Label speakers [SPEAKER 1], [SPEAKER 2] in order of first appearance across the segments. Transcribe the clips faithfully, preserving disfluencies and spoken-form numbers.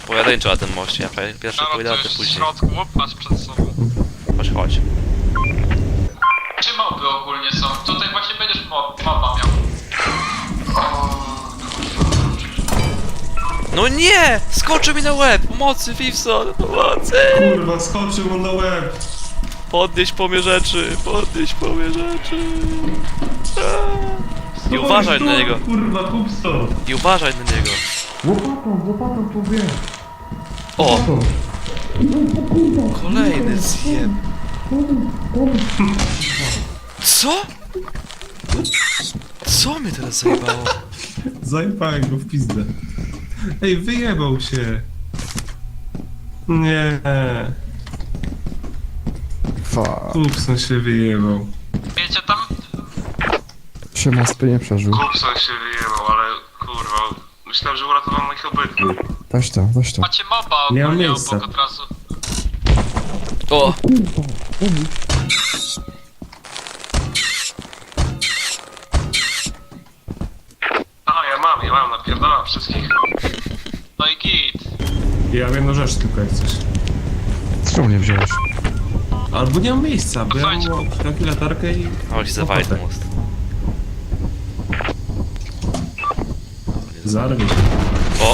[SPEAKER 1] pojedynczo na tym moście, ja pierwszy pójdę, a ty
[SPEAKER 2] w
[SPEAKER 1] później.
[SPEAKER 2] środku, masz przed sobą.
[SPEAKER 1] Chodź, chodź.
[SPEAKER 2] Czy moby ogólnie są? Tutaj właśnie będziesz mob, moba miał.
[SPEAKER 1] No nie! Skoczył mi na łeb! Pomocy, Fifson! Pomocy!
[SPEAKER 3] Kurwa, skoczył mu na łeb.
[SPEAKER 1] Podnieś po mnie rzeczy! Podnieś po mnie rzeczy! Aaa. I uważaj na niego!
[SPEAKER 3] Kurwa, kupsto.
[SPEAKER 1] I uważaj na niego!
[SPEAKER 3] Łopatą, łopatą powie.
[SPEAKER 1] O! Kolejny zjeb! Co? Co mnie teraz zajebało?
[SPEAKER 3] Zajebałem go w pizdę. Ej, wyjebał się. Nie.
[SPEAKER 4] Fa.
[SPEAKER 3] Kupson się wyjebał.
[SPEAKER 2] Wiecie tam?
[SPEAKER 4] Się most nie przeżył.
[SPEAKER 3] Kupson się wyjebał, ale kurwa. Myślałem, że uratowałem ich obydwu.
[SPEAKER 4] Weź to, weź to.
[SPEAKER 2] Macie moba
[SPEAKER 3] Nie mam
[SPEAKER 2] ogólnie
[SPEAKER 3] miejsca.
[SPEAKER 2] obok od razu.
[SPEAKER 1] O!
[SPEAKER 3] Aha, ja mam, ja mam, napierdalam wszystkich.
[SPEAKER 2] No i git.
[SPEAKER 3] Ja mam jedną rzecz tylko jak coś.
[SPEAKER 4] Czemu nie wziąłeś?
[SPEAKER 3] Albo nie mam miejsca, bo ja
[SPEAKER 2] Słuchajcie.
[SPEAKER 3] mam taki latarkę i...
[SPEAKER 1] O, się zawali ten most.
[SPEAKER 3] Zarwie.
[SPEAKER 1] O!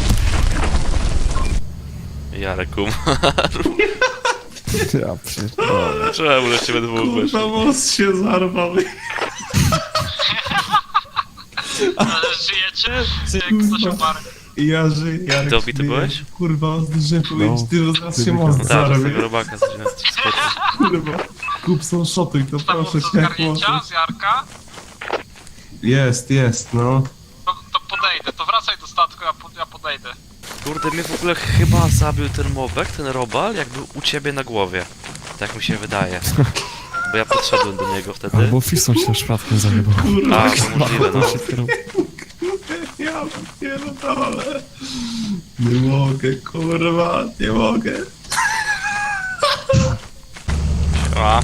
[SPEAKER 1] Jarek umarł.
[SPEAKER 4] Ja pierdolę.
[SPEAKER 1] Czemu na ciebie dwóch weszło?
[SPEAKER 3] Kurwa, most się zarwał.
[SPEAKER 2] Ale żyjecie? Czy jak ktoś umarł?
[SPEAKER 3] Ja żyję, Jarek.
[SPEAKER 1] Ty obity
[SPEAKER 3] żyje.
[SPEAKER 1] byłeś?
[SPEAKER 3] Kurwa, zdążyłem powiedzieć,
[SPEAKER 4] No.
[SPEAKER 3] ty zaraz się
[SPEAKER 4] Ty
[SPEAKER 3] most
[SPEAKER 1] No tak, z
[SPEAKER 3] zarwie.
[SPEAKER 1] tego robaka zaczyna skoczyć.
[SPEAKER 3] Kurwa. Kupson szotuj, to
[SPEAKER 2] Tam
[SPEAKER 3] proszę
[SPEAKER 2] do
[SPEAKER 3] cię, jak
[SPEAKER 2] zgarnięcia
[SPEAKER 3] możesz.
[SPEAKER 2] z Jarka?
[SPEAKER 3] Jest, jest, no.
[SPEAKER 2] To, to podejdę, to wracaj do statku, ja, po, ja podejdę.
[SPEAKER 1] Kurde, mnie w ogóle chyba zabił ten mobek, ten robal, jak był u ciebie na głowie. Tak mi się wydaje. Bo ja podszedłem do niego wtedy.
[SPEAKER 4] Albo Fiston się przypadkiem zajebał.
[SPEAKER 1] A, to możliwe, no.
[SPEAKER 3] Ja pierdolę. Nie mogę, kurwa, nie mogę.
[SPEAKER 1] A.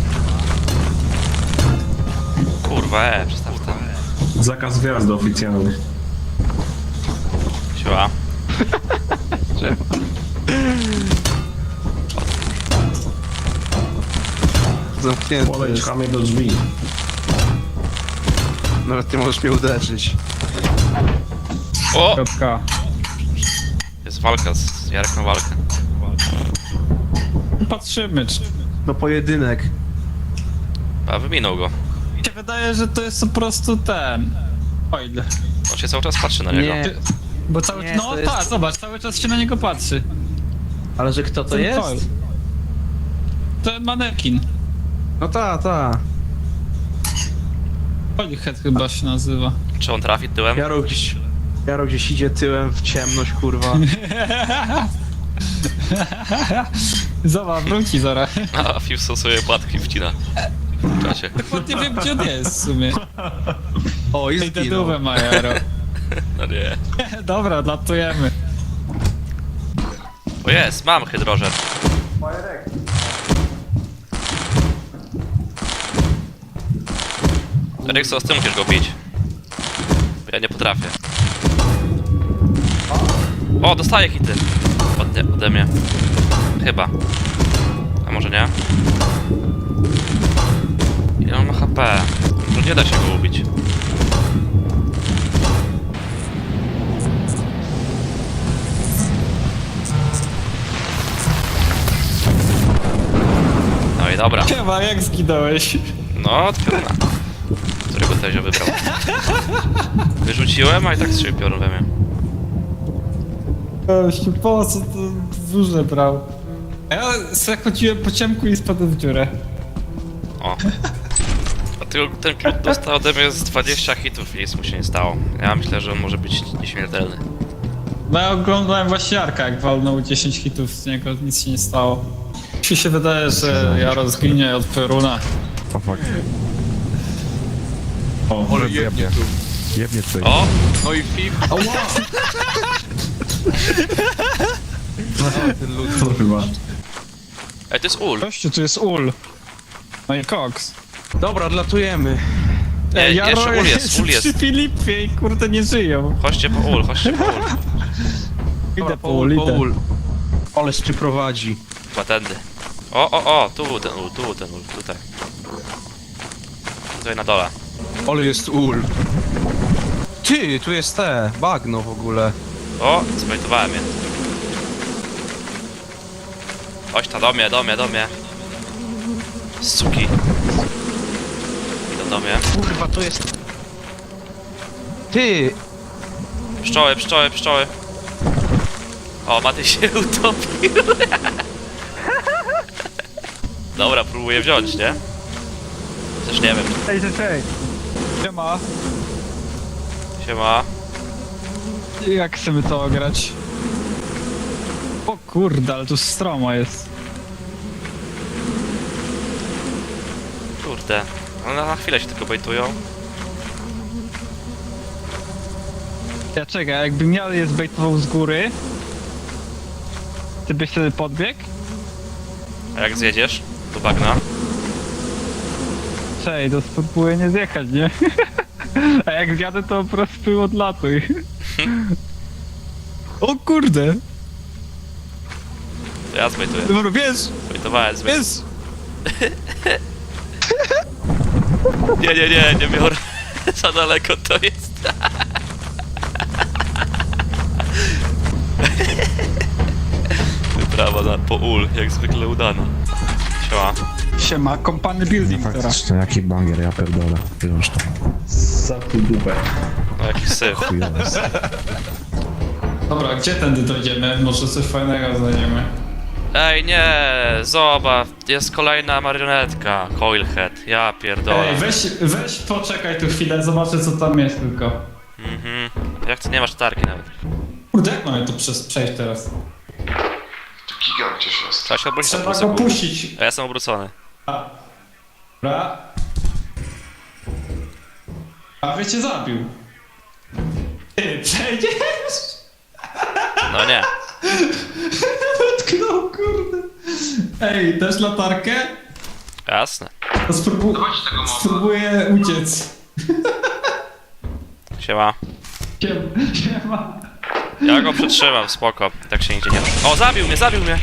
[SPEAKER 1] Kurwa, e, przestaw to.
[SPEAKER 3] Zakaz wjazdu oficjalny.
[SPEAKER 1] Siła.
[SPEAKER 5] Zamknięty
[SPEAKER 3] Podejdź
[SPEAKER 5] jest.
[SPEAKER 3] chamie do drzwi.
[SPEAKER 5] Nawet nie możesz mnie uderzyć.
[SPEAKER 1] O!
[SPEAKER 6] Kropka.
[SPEAKER 1] Jest walka, z Jarek na walkę.
[SPEAKER 6] Patrzymy, czy...
[SPEAKER 5] No pojedynek.
[SPEAKER 1] A wyminął go.
[SPEAKER 6] Mi się wydaje, że to jest po prostu ten... Oil.
[SPEAKER 1] On się cały czas patrzy na niego.
[SPEAKER 5] Nie.
[SPEAKER 6] Bo cały
[SPEAKER 5] Nie,
[SPEAKER 6] No
[SPEAKER 5] to jest-
[SPEAKER 6] tak, zobacz, cały czas się na niego patrzy.
[SPEAKER 5] Ale że kto to
[SPEAKER 6] Ten
[SPEAKER 5] jest?
[SPEAKER 6] Oil. Ten manekin.
[SPEAKER 5] No ta, ta.
[SPEAKER 6] Oilhead chyba się nazywa.
[SPEAKER 1] Czy on trafi tyłem?
[SPEAKER 5] Jaro gdzieś... Jaro gdzieś idzie tyłem w ciemność, kurwa.
[SPEAKER 6] Zobacz, wróci zaraz.
[SPEAKER 1] A Fifson sobie płatki wcina. W czasie.
[SPEAKER 6] Dokładnie wiem, gdzie on jest w sumie.
[SPEAKER 5] O, i
[SPEAKER 6] I
[SPEAKER 5] zginął.
[SPEAKER 6] dedówę ma Jaro.
[SPEAKER 1] No nie.
[SPEAKER 6] Dobra, latujemy.
[SPEAKER 1] O jest, mam hydrożer. Rykso, z tym musisz go bić. Bo ja nie potrafię. O, dostaję hity. Ode, ode mnie. Chyba. A może nie? Ile on ma H P? Może nie da się go ubić. No i dobra.
[SPEAKER 6] Chyba, jak zginąłeś?
[SPEAKER 1] No, od pioruna. Którego Tezio wybrał. Wyrzuciłem, a i tak strzelił piorun we mnie.
[SPEAKER 6] Gościu, po co to duże brał? Ja sobie chodziłem po ciemku i spadłem w dziurę.
[SPEAKER 1] O. A ty, ten klub dostał ode mnie z dwadzieścia hitów i nic mu się nie stało. Ja myślę, że on może być nieśmiertelny.
[SPEAKER 6] No ja oglądałem właśnie Jarka, jak walnął dziesięć hitów z niego, nic się nie stało. Mi się wydaje, że Jaro zginie od Peruna.
[SPEAKER 4] O fuck.
[SPEAKER 3] O,
[SPEAKER 4] Ale jebnie. Jebnie tutaj.
[SPEAKER 1] O!
[SPEAKER 2] No i Fif.
[SPEAKER 3] kurwa.
[SPEAKER 1] Ej, to jest ul.
[SPEAKER 6] Gościu, tu jest ul. No i Cox.
[SPEAKER 5] Dobra, odlatujemy.
[SPEAKER 1] Nie, jeszcze ul jest, ul jest.
[SPEAKER 6] przy Filipie i kurde nie żyją.
[SPEAKER 1] Chodźcie po ul, chodźcie po ul.
[SPEAKER 5] Idę po ul, po ul. Oleż czy prowadzi.
[SPEAKER 1] Chyba tędy. O, o, o, tu był ten ul, tu był ten ul, tutaj. Tutaj na dole.
[SPEAKER 5] Ole jest ul. Ty, tu jest te, bagno w ogóle.
[SPEAKER 1] O, zbejtowałem je. Chodź ta do mnie, do mnie, do mnie. Suki. Idą do mnie.
[SPEAKER 5] Kurwa, to jest... Ty!
[SPEAKER 1] Pszczoły, pszczoły, pszczoły. O, Maty się utopił. Dobra, próbuję wziąć, nie? Też nie wiem.
[SPEAKER 6] Ej, ej, ej. Siema.
[SPEAKER 1] Siema.
[SPEAKER 6] Jak chcemy to grać? O kurde, ale tu stromo jest.
[SPEAKER 1] Kurde. No na chwilę się tylko bejtują.
[SPEAKER 6] Ja czekaj, jakbym miał je zbejtował z góry, ty byś wtedy podbiegł?
[SPEAKER 1] A jak zjedziesz do bagna?
[SPEAKER 6] Czekaj, to spróbuję nie zjechać, nie? A jak zjadę, to po prostu odlatuj. O kurde!
[SPEAKER 1] To ja zbejtuję.
[SPEAKER 6] Dobra, wiesz,
[SPEAKER 1] Zbejtowałem, zbejtowałem.
[SPEAKER 6] wiesz!
[SPEAKER 1] Nie, nie, nie, nie biorę. Za daleko to jest. Wyprawa na po ul, jak zwykle udana. Siema.
[SPEAKER 6] Siema, kompany building teraz.
[SPEAKER 4] Faktycznie, jaki banger, ja pierdolę. Już to
[SPEAKER 3] Zamknij dupę.
[SPEAKER 1] No jakiś syf.
[SPEAKER 4] chujowe jest.
[SPEAKER 6] Dobra, gdzie tędy dojdziemy? Może coś fajnego znajdziemy.
[SPEAKER 1] Ej, nie, zobacz, jest kolejna marionetka. Coilhead, ja pierdolę.
[SPEAKER 6] Ej, weź, weź poczekaj tu chwilę, zobaczę co tam jest tylko.
[SPEAKER 1] Mhm. Jak ty nie masz tarki nawet.
[SPEAKER 6] Kurde, jak mamy to przez, przejść teraz?
[SPEAKER 2] Tu gigant gdzieś jest.
[SPEAKER 1] Trzeba się obrócić na
[SPEAKER 6] Trzeba
[SPEAKER 1] pół
[SPEAKER 6] go
[SPEAKER 1] sekundy.
[SPEAKER 6] puścić.
[SPEAKER 1] A ja jestem obrócony.
[SPEAKER 6] A. Dobra. A wy cię zabił. Ty przejdziesz?
[SPEAKER 1] No nie.
[SPEAKER 6] Dotknął, kurde. Ej, dasz latarkę?
[SPEAKER 1] Jasne.
[SPEAKER 6] To spróbu
[SPEAKER 2] Dawajcie tego mowa.
[SPEAKER 6] spróbuję uciec.
[SPEAKER 1] Siema.
[SPEAKER 6] Siem- Siema.
[SPEAKER 1] Ja go przytrzymam, spoko. Tak się nigdzie nie ruszy. O, zabił mnie, zabił mnie!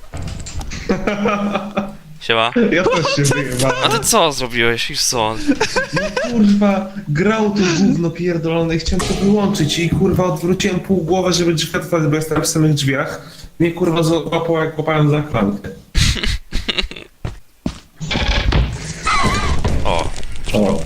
[SPEAKER 1] Siema.
[SPEAKER 3] Ja też się wyjebałem.
[SPEAKER 1] A ty co zrobiłeś? I co?
[SPEAKER 3] Kurwa, grał to gówno pierdolone i chciałem to wyłączyć i kurwa odwróciłem pół głowę, żeby drzwi otworzyć, bo jestem w samych drzwiach. Mnie kurwa złapało jak łapałem za klamkę.
[SPEAKER 1] O.
[SPEAKER 3] O.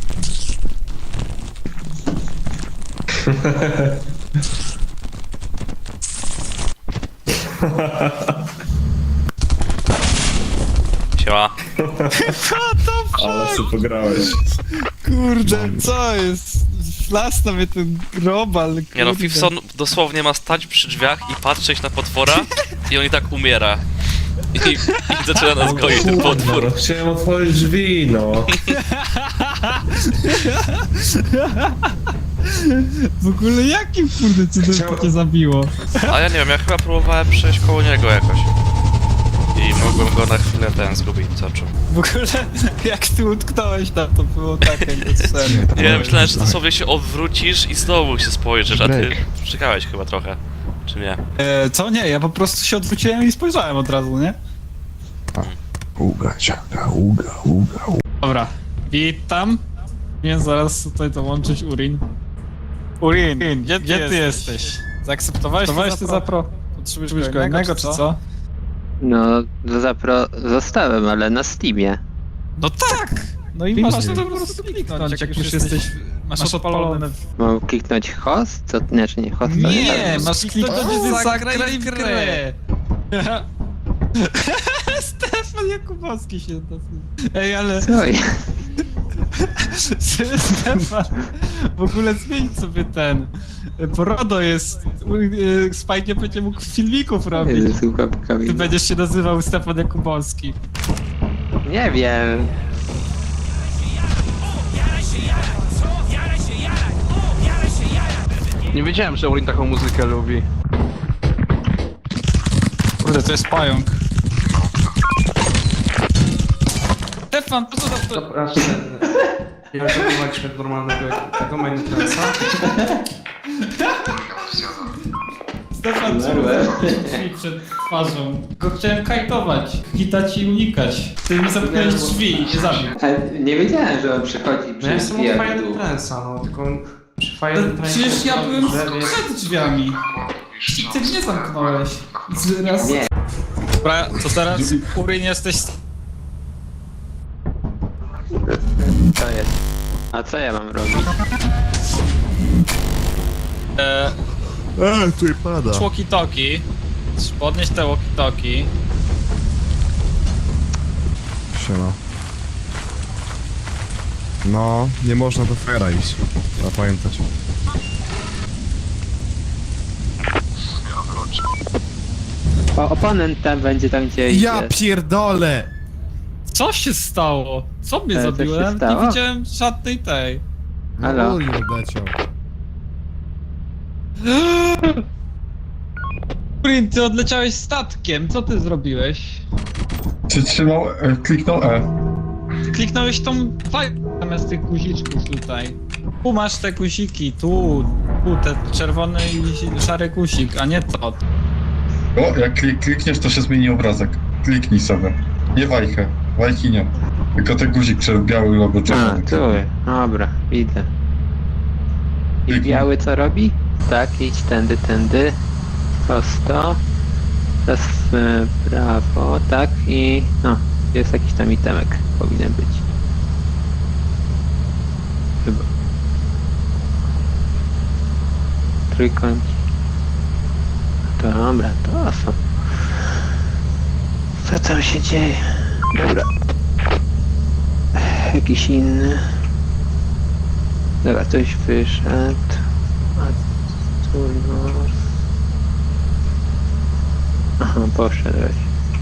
[SPEAKER 1] Siema.
[SPEAKER 3] Ale sobie pograłeś.
[SPEAKER 6] Kurde, co jest? Flasta mnie ten grobal, kurde.
[SPEAKER 1] Nie no, Fifson dosłownie ma stać przy drzwiach i patrzeć na potwora i on i tak umiera. I, i zaczyna nas goić ten
[SPEAKER 3] Kurwa,
[SPEAKER 1] potwór.
[SPEAKER 3] no chciałem otworzyć drzwi, no.
[SPEAKER 6] W ogóle jakim kurde cudem
[SPEAKER 3] Chciał-
[SPEAKER 6] to cię zabiło?
[SPEAKER 1] A ja nie wiem, ja chyba próbowałem przejść koło niego jakoś. I mogłem go na chwilę ten zgubić z oczu.
[SPEAKER 6] W ogóle jak ty utknąłeś tam, to było tak jakby serio.
[SPEAKER 1] Nie, myślałem, że dosłownie się odwrócisz i znowu się spojrzysz, a ty
[SPEAKER 4] Break.
[SPEAKER 1] czekałeś chyba trochę. Czy nie?
[SPEAKER 6] E, co? Nie, ja po prostu się odwróciłem i spojrzałem od razu, nie?
[SPEAKER 4] Uga, ciaga, uga, uga, uga.
[SPEAKER 6] Dobra, witam. Więc zaraz tutaj dołączyć Urin. Urin, gdzie ty, gdzie ty jesteś? jesteś? Zaakceptowałeś ty zapro? Potrzebujesz go innego, czy co?
[SPEAKER 7] No, zapro zostałem, ale na Steamie.
[SPEAKER 6] No tak! No i masz to po prostu kliknąć, jak już jesteś, masz odpalone.
[SPEAKER 7] Mam kliknąć host? Co? Znaczy nie, host
[SPEAKER 6] Nie, masz kliknąć zagraj w grę. Stefan Jakubowski się nazywa. Ej, ale
[SPEAKER 7] Co jest?
[SPEAKER 6] Stefan, w ogóle zmień sobie ten. Bo RODO jest. y, Spike nie będzie mógł filmików robić.
[SPEAKER 7] Jezu,
[SPEAKER 6] Ty
[SPEAKER 7] Ty
[SPEAKER 6] będziesz się nazywał Stefan Jakubowski.
[SPEAKER 7] Nie wiem.
[SPEAKER 5] Nie wiedziałem, że Urin taką muzykę lubi.
[SPEAKER 6] Kurde, to jest pająk. Stefan, po co za to?
[SPEAKER 8] Przepraszam. Ja zaprowadziliśmy normalnego tego Minecrafta.
[SPEAKER 6] Stefan, czemu zamknąłeś drzwi przed twarzą? Go chciałem kajtować, hitać i unikać. Ty mi zamknąłeś drzwi i nie zabił.
[SPEAKER 7] Ale nie wiedziałem, że on przychodzi
[SPEAKER 8] No ja
[SPEAKER 7] przez
[SPEAKER 8] jestem od
[SPEAKER 7] drzwi
[SPEAKER 8] Fire
[SPEAKER 7] jak dół.
[SPEAKER 8] Trance'a, no tylko przy Fire
[SPEAKER 6] To
[SPEAKER 8] Trance'ie...
[SPEAKER 6] Przecież ja byłem
[SPEAKER 8] drzewie-
[SPEAKER 6] przed drzwiami. I ty mnie zamknąłeś. Z raz.
[SPEAKER 7] Nie.
[SPEAKER 6] Dobra, to teraz Urin jesteś...
[SPEAKER 7] To jest. A co ja mam robić?
[SPEAKER 6] E,
[SPEAKER 4] Eee, tu pada.
[SPEAKER 6] walkie-talkie. Podnieś te walkie-talkie.
[SPEAKER 4] Siema. No, nie można do fera iść. Trzeba pamiętać.
[SPEAKER 7] O, oponent tam będzie tam gdzie
[SPEAKER 4] Ja
[SPEAKER 7] idzie.
[SPEAKER 4] pierdolę!
[SPEAKER 6] Co się stało? Co mnie
[SPEAKER 7] E, co
[SPEAKER 6] zabiło?
[SPEAKER 7] się
[SPEAKER 6] Ja nawet
[SPEAKER 7] stało?
[SPEAKER 6] nie widziałem żadnej tej.
[SPEAKER 7] Halo?
[SPEAKER 4] Uli odleciał.
[SPEAKER 6] Urin, ty odleciałeś statkiem. Co ty zrobiłeś?
[SPEAKER 9] Przytrzymał, e, kliknął E.
[SPEAKER 6] Kliknąłeś tą fajkę zamiast tych guziczków tutaj. Tu masz te guziki, tu, tu, te czerwony i szary guzik, a nie to.
[SPEAKER 9] O, jak klik, klikniesz, to się zmieni obrazek. Kliknij sobie. Nie wajchę, wajki nie. Tylko ten guzik przez biały logo
[SPEAKER 7] A,
[SPEAKER 9] czerwony.
[SPEAKER 7] tu. Dobra, widzę. I
[SPEAKER 9] Kliknij.
[SPEAKER 7] biały co robi? Tak, idź tędy, tędy. Prosto. Teraz w prawo, tak i... No, jest jakiś tam itemek. Powinien być. Chyba. Trójkąt. Dobra, to są. Co tam się dzieje? Dobra. Jakiś inny. Dobra, ktoś wyszedł. A tu no. Aha, poszedłeś.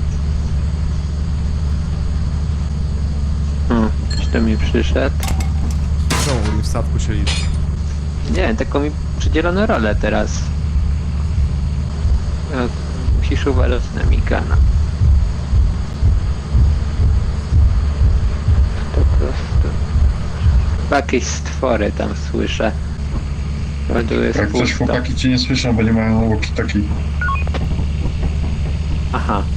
[SPEAKER 7] O, ktoś do mnie przyszedł.
[SPEAKER 4] Czemu Uli w statku się liczy?
[SPEAKER 7] Nie, taką mi przydzielono rolę teraz. E, Musisz uważać na Mikana. Po prostu. Jakieś stwory tam słyszę. Bo tu jest
[SPEAKER 9] Jak coś
[SPEAKER 7] pusto.
[SPEAKER 9] chłopaki cię nie słyszą, bo nie mają walkie-talkie.
[SPEAKER 7] Aha,